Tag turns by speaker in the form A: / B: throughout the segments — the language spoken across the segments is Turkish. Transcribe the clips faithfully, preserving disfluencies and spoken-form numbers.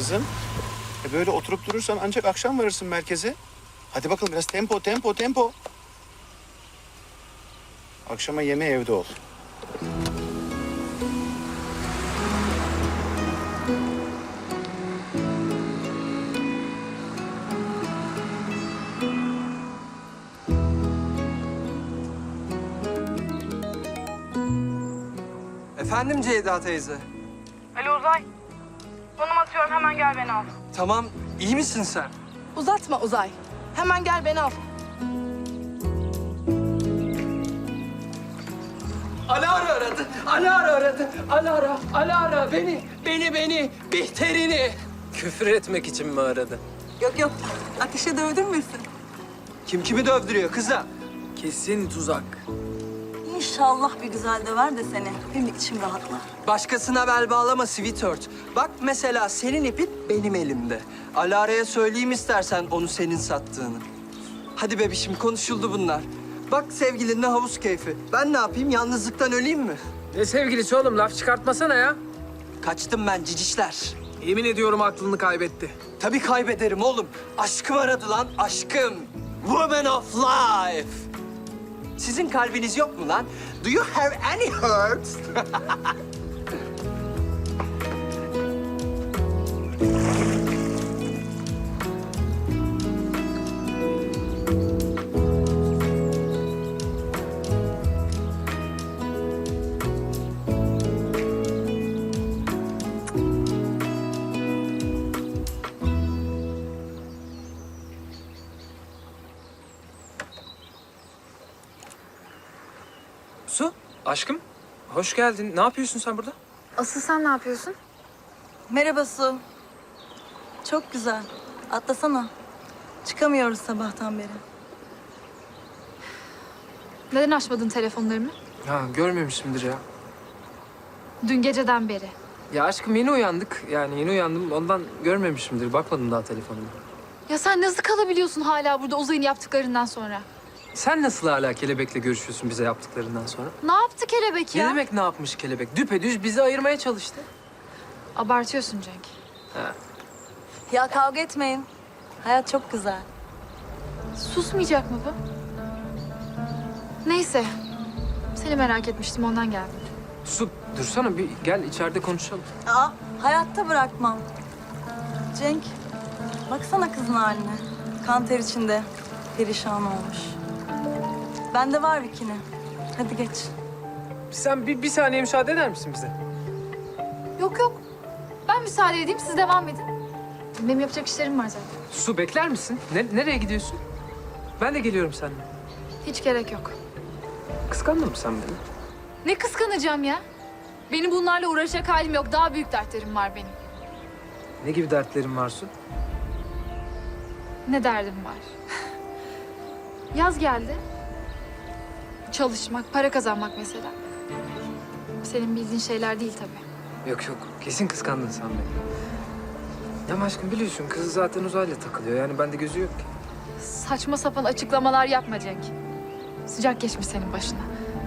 A: kızım. E böyle oturup durursan ancak akşam varırsın merkeze. Hadi bakalım biraz tempo, tempo, tempo. Akşama yemeği evde ol.
B: Efendim Ceyda teyze.
C: Alo Uzay. Konum atıyorum, hemen gel beni al.
B: Tamam, iyi misin sen?
C: Uzatma Uzay. Hemen gel beni al.
B: Alara aradı, Alara aradı. Alara, Alara beni, beni, beni, Bihter'ini. Küfür etmek için mi aradı?
D: Yok yok, ateşe dövdürmesin.
B: Kim kimi dövdürüyor kızım? Kesin tuzak.
D: İnşallah bir güzel döver de seni. Benim içim rahatlar.
B: Başkasına bel bağlama sweetheart. Bak mesela senin ipin benim elimde. Alara'ya söyleyeyim istersen onu senin sattığını. Hadi bebişim konuşuldu bunlar. Bak sevgilinle havuz keyfi. Ben ne yapayım yalnızlıktan öleyim mi?
E: Ne sevgilisi oğlum? Laf çıkartmasana ya.
B: Kaçtım ben cicişler.
E: Yemin ediyorum aklını kaybetti.
B: Tabii kaybederim oğlum. Aşkım aradı lan, aşkım. Woman of life. Sizin kalbiniz yok mu lan? Do you have any hurts?
E: Su, aşkım. Hoş geldin. Ne yapıyorsun sen burada?
F: Asıl sen ne yapıyorsun?
D: Merhaba Su. Çok güzel. Atlasana. Çıkamıyoruz sabahtan beri.
F: Neden açmadın telefonlarımı?
E: Ha, görmemişimdir ya.
F: Dün geceden beri.
E: Ya aşkım yeni uyandık. Yani yeni uyandım. Ondan görmemişimdir. Bakmadım daha telefonuma.
F: Ya sen nasıl kalabiliyorsun hala burada Uzay'ın yaptıklarından sonra?
E: Sen nasıl hala kelebekle görüşüyorsun bize yaptıklarından sonra?
F: Ne yaptı kelebek
E: Ne
F: ya?
E: demek ne yapmış kelebek? Düpedüz bizi ayırmaya çalıştı.
F: Abartıyorsun Cenk.
E: Ha.
D: Ya kavga etmeyin. Hayat çok güzel.
F: Susmayacak mı bu? Neyse. Seni merak etmiştim ondan geldim.
E: Su, dursana bir gel içeride konuşalım.
D: Aa, hayatta bırakmam. Cenk, baksana kızın haline. Kan ter içinde. Perişan olmuş. Bende var bikini. Hadi geç.
E: Sen bir, bir saniye müsaade eder misin bize?
F: Yok yok. Ben müsaade edeyim siz devam edin. Benim yapacak işlerim var zaten.
E: Su bekler misin? Ne, nereye gidiyorsun? Ben de geliyorum seninle.
F: Hiç gerek yok.
E: Kıskandın mı sen beni?
F: Ne kıskanacağım ya? Benim bunlarla uğraşacak halim yok. Daha büyük dertlerim var benim.
E: Ne gibi dertlerin var Su?
F: Ne derdim var? Yaz geldi. Çalışmak, para kazanmak mesela. Senin bildiğin şeyler değil tabii.
E: Yok yok, kesin kıskandın sen beni. Ya aşkım biliyorsun kız zaten uzayla takılıyor. Yani bende gözü yok ki.
F: Saçma sapan açıklamalar yapma Cenk. Sıcak geçmiş senin başına.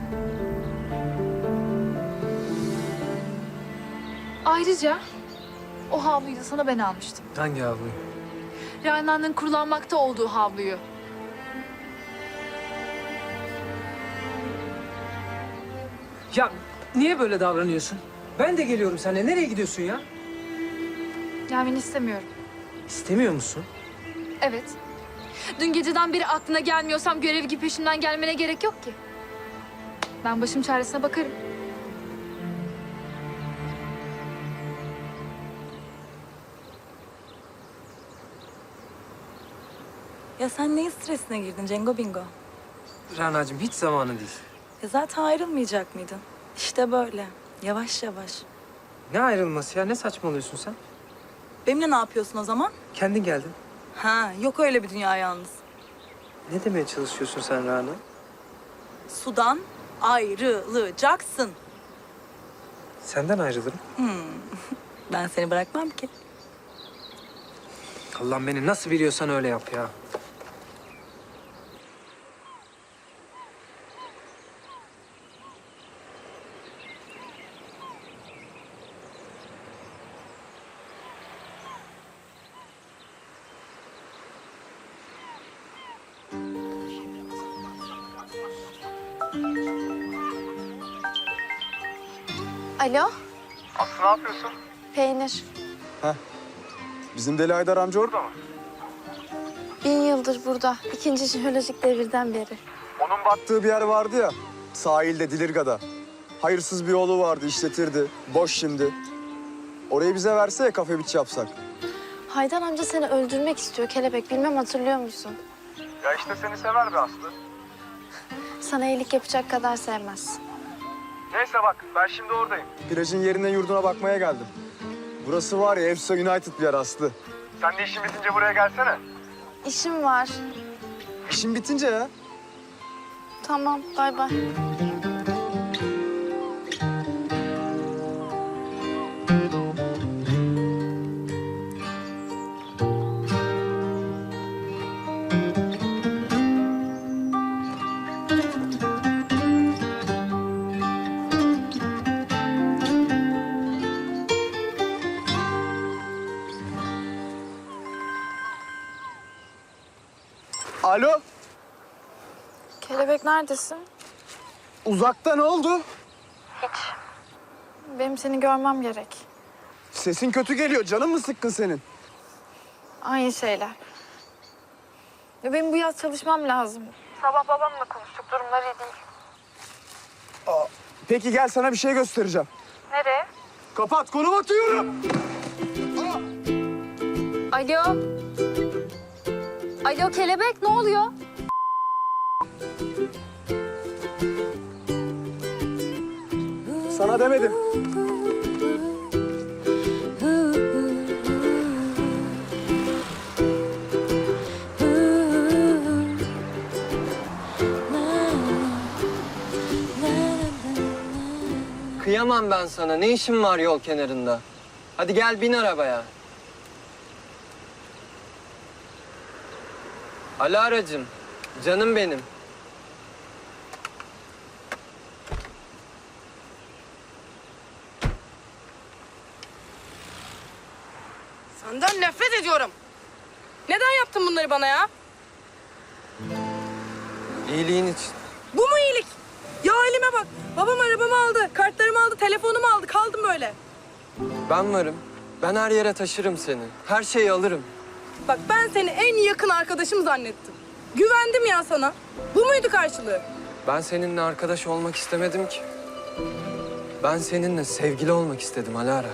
F: Ayrıca o havluyu da sana ben almıştım.
E: Hangi havluyu?
F: Rana'nın kullanmakta olduğu havluyu.
E: Ya niye böyle davranıyorsun? Ben de geliyorum seninle. Nereye gidiyorsun ya?
F: Gelmeni istemiyorum.
E: İstemiyor musun?
F: Evet. Dün geceden beri aklına gelmiyorsam görev gibi peşimden gelmene gerek yok ki. Ben başım çaresine bakarım.
D: Ya sen neyin stresine girdin Cengo Bingo?
E: Rana'cığım hiç zamanı değil.
D: Ya zaten ayrılmayacak mıydın? İşte böyle. Yavaş yavaş.
E: Ne ayrılması ya? Ne saçmalıyorsun sen?
D: Benimle ne yapıyorsun o zaman?
E: Kendin geldin.
D: Ha, yok öyle bir dünya yalnız.
E: Ne demeye çalışıyorsun sen Rana?
D: Sudan ayrılacaksın.
E: Senden ayrılırım.
D: Ben seni bırakmam ki.
E: Allah'ım beni nasıl biliyorsan öyle yap ya.
G: Alo,
H: Aslı ne yapıyorsun?
G: peynir.
H: Bizim Deli Aydar amca orada mı?
G: Bin yıldır burada. İkinci jeolojik devirden beri.
H: Onun battığı bir yer vardı ya. Sahilde, Dilirga'da. Hayırsız bir oğlu vardı, işletirdi. Boş şimdi. Orayı bize verse ya kafe biç yapsak.
G: Haydar amca seni öldürmek istiyor Kelebek. Bilmem hatırlıyor musun?
H: Ya işte seni sever be Aslı.
G: Sana iyilik yapacak kadar sevmez.
H: Neyse bak ben şimdi oradayım. Plajın yerine yurduna bakmaya geldim. Burası var ya Efsa United bir yer Aslı. Sen de işin bitince buraya gelsene.
G: İşim var.
H: İşin bitince ya.
G: Tamam, bay bay.
H: Alo,
G: Kelebek neredesin?
H: uzakta ne oldu?
G: Benim seni görmem gerek.
H: Sesin kötü geliyor, canın mı sıkkın senin?
G: Aynı şeyler. Ya benim bu yaz çalışmam lazım. Sabah babamla konuştuk, durumları iyi değil.
H: Peki gel sana bir şey göstereceğim.
G: Nereye?
H: Kapat, konum atıyorum.
F: Alo. Alo Kelebek, ne oluyor?
H: Sana demedim.
B: Kıyamam ben sana. Ne işin var yol kenarında? Hadi gel bin arabaya. Alaracığım, canım benim.
C: Senden nefret ediyorum. Neden yaptın bunları bana ya?
B: İyiliğin için.
C: Bu mu iyilik? Ya halime bak. Babam arabamı aldı, kartlarımı aldı, telefonumu aldı. Kaldım böyle.
B: Ben varım. Ben her yere taşırım seni. Her şeyi alırım.
C: Bak ben seni en yakın arkadaşım zannettim. Güvendim ya sana. Bu muydu karşılığı?
B: Ben seninle arkadaş olmak istemedim ki. Ben seninle sevgili olmak istedim Alara.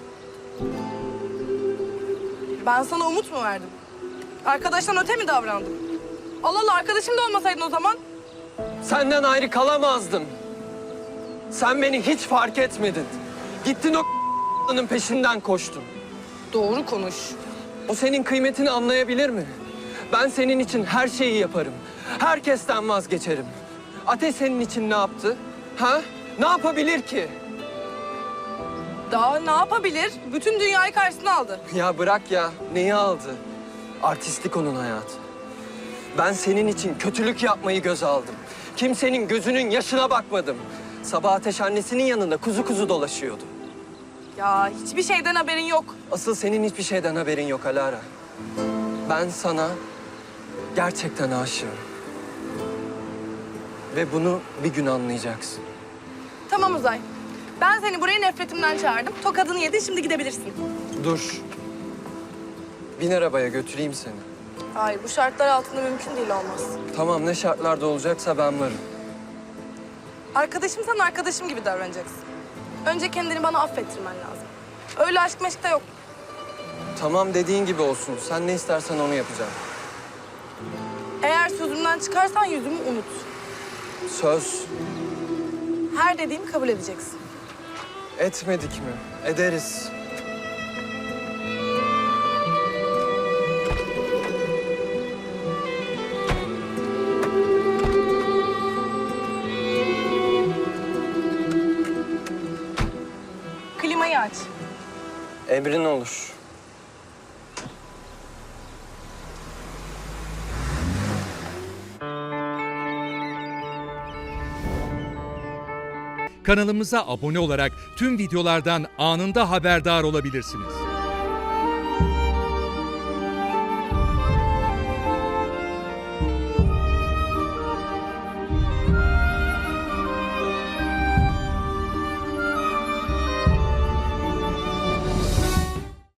C: Ben sana umut mu verdim? Arkadaştan öte mi davrandım? Allah Allah, arkadaşım da olmasaydın o zaman.
B: Senden ayrı kalamazdım. Sen beni hiç fark etmedin. Gittin o peşinden koştun.
C: Doğru konuş.
B: O senin kıymetini anlayabilir mi? Ben senin için her şeyi yaparım. Herkesten vazgeçerim. Ateş senin için ne yaptı? Ha? Ne yapabilir ki?
C: Daha ne yapabilir? Bütün dünyayı karşısına aldı.
B: Ya bırak ya. Neyi aldı? Artistlik onun hayatı. Ben senin için kötülük yapmayı göze aldım. Kimsenin gözünün yaşına bakmadım. Sabah Ateş annesinin yanında kuzu kuzu dolaşıyordu.
C: Ya hiçbir şeyden haberin yok.
B: Asıl senin hiçbir şeyden haberin yok Alara. Ben sana gerçekten aşığım. Ve bunu bir gün anlayacaksın.
C: Tamam Uzay. Ben seni buraya nefretimden çağırdım. Tokadını yedin, şimdi gidebilirsin.
B: Dur. Bin arabaya götüreyim seni.
C: Hayır, bu şartlar altında mümkün değil, olmaz.
B: Tamam, ne şartlarda olacaksa ben varım.
C: Arkadaşımsan arkadaşım gibi davranacaksın. Önce kendini bana affettirmen lazım. Öyle aşk meşk de yok.
B: Tamam, dediğin gibi olsun. Sen ne istersen onu yapacağım.
C: Eğer sözümden çıkarsan yüzümü unut.
B: Söz
C: Her dediğimi kabul edeceksin.
B: etmedik mi? Ederiz.
C: Klimayı aç.
B: Emrin olur.
I: Kanalımıza abone olarak tüm videolardan anında haberdar olabilirsiniz.